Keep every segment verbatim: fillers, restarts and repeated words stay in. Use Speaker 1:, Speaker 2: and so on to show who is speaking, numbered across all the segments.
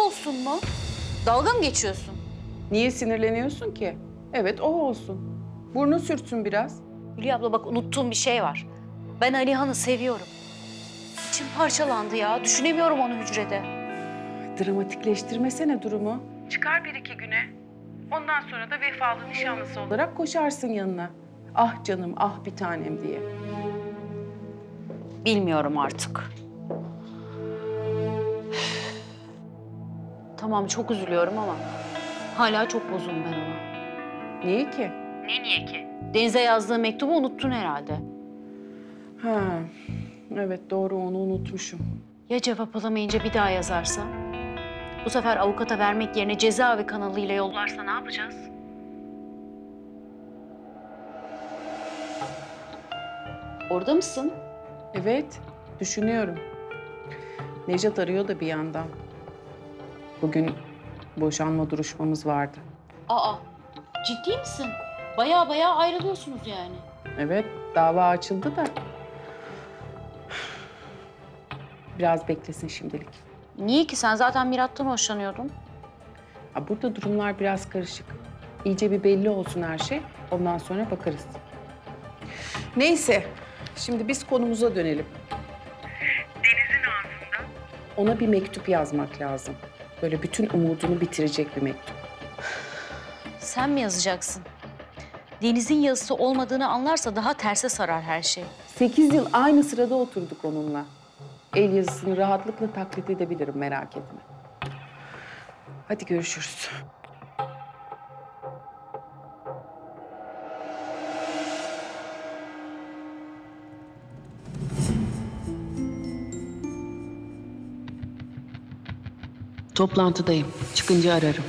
Speaker 1: olsun mu? Dalga mı geçiyorsun?
Speaker 2: Niye sinirleniyorsun ki? Evet, o olsun. Burnu sürtsün biraz.
Speaker 1: Hülya abla bak unuttuğum bir şey var. Ben Alihan'ı seviyorum. İçim parçalandı ya. Düşünemiyorum onu hücrede.
Speaker 2: Dramatikleştirmesene durumu. Çıkar bir iki güne. Ondan sonra da vefalı nişanlısı olarak koşarsın yanına. Ah canım, ah bir tanem diye.
Speaker 1: Bilmiyorum artık. Tamam çok üzülüyorum ama hala çok bozuğum ben ona.
Speaker 2: Niye ki?
Speaker 1: Ne niye ki? Deniz'e yazdığı mektubu unuttun herhalde.
Speaker 2: Ha, evet doğru onu unutmuşum.
Speaker 1: Ya cevap alamayınca bir daha yazarsa? Bu sefer avukata vermek yerine cezaevi kanalıyla yollarsa ne yapacağız? Orada mısın?
Speaker 2: Evet, düşünüyorum. Nejat arıyor da bir yandan. Bugün boşanma duruşmamız vardı.
Speaker 1: Aa, ciddi misin? Baya baya ayrılıyorsunuz yani.
Speaker 2: Evet, dava açıldı da. Biraz beklesin şimdilik.
Speaker 1: Niye ki? Sen zaten Mirat'tan hoşlanıyordun.
Speaker 2: Ha, burada durumlar biraz karışık. İyice bir belli olsun her şey. Ondan sonra bakarız. Neyse, şimdi biz konumuza dönelim. Deniz'in ağzından ona bir mektup yazmak lazım. Böyle bütün umudunu bitirecek bir mektup.
Speaker 1: Sen mi yazacaksın? Deniz'in yazısı olmadığını anlarsa daha terse sarar her şey.
Speaker 2: Sekiz yıl aynı sırada oturduk onunla. El yazısını rahatlıkla taklit edebilirim, merak etme. Hadi görüşürüz. Toplantıdayım. Çıkınca ararım.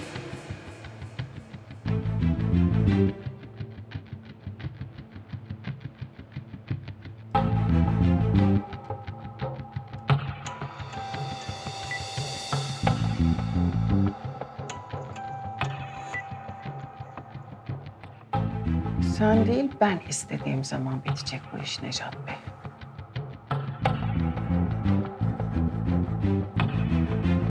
Speaker 2: Sen değil, ben istediğim zaman bitecek bu iş Nejat Bey.